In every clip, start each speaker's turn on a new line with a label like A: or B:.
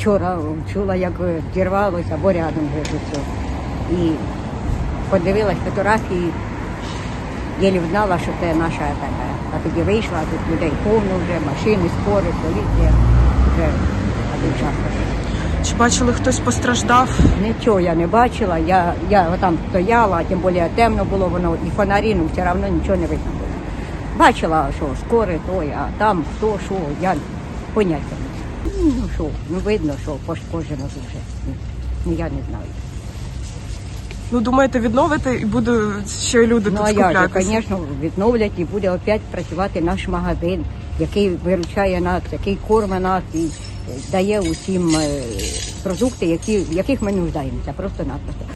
A: вчора чула, як зірвалося, або рядом вже все. І подивилась фотографії, єлі взнала, що це наша така. А тоді вийшла, тут людей повно вже, машини, скори, поліція. Вже один час.
B: Чи бачили, хтось постраждав?
A: Нічого я не бачила, я там стояла, а тим більше темно було воно, і фонарі, ну все одно нічого не видно було. Бачила, що скори той, а там хто, що, я поняття не знаю. Ну що, ну видно, що пошкоджено дуже. Ну я не знаю.
B: Ну, думаєте, відновити і будуть ще люди
A: Ну
B: тут
A: а як же,
B: скуплятися?
A: звісно, відновлять і буде опять працювати наш магазин, який виручає нас, який корме нас і дає усім продукти, в яких ми нуждаємося, просто-напросто.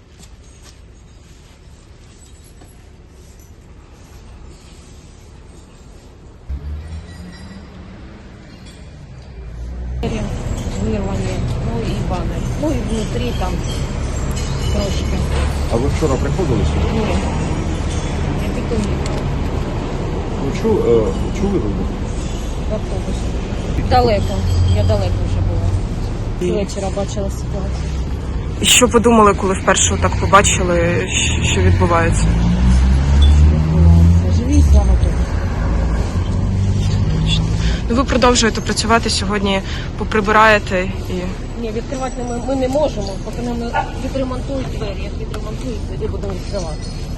C: Вирвані, ну і банер. Ну і внутрі там трошки.
D: А ви вчора приходили сюди?
C: Ні. Я тільки їхала
D: Ви чули вибух?
C: в автобусі. Далеко. Я далеко вже була. З вечора бачила ситуацію.
B: І що подумали, коли вперше так побачили, що відбувається?
C: Живі, слава Богу.
B: Ну, ви продовжуєте працювати сьогодні, поприбираєте і...
C: Ні, відкривати ми не можемо, поки нам відремонтують двері. Як відремонтують, тоді будемо відкривати.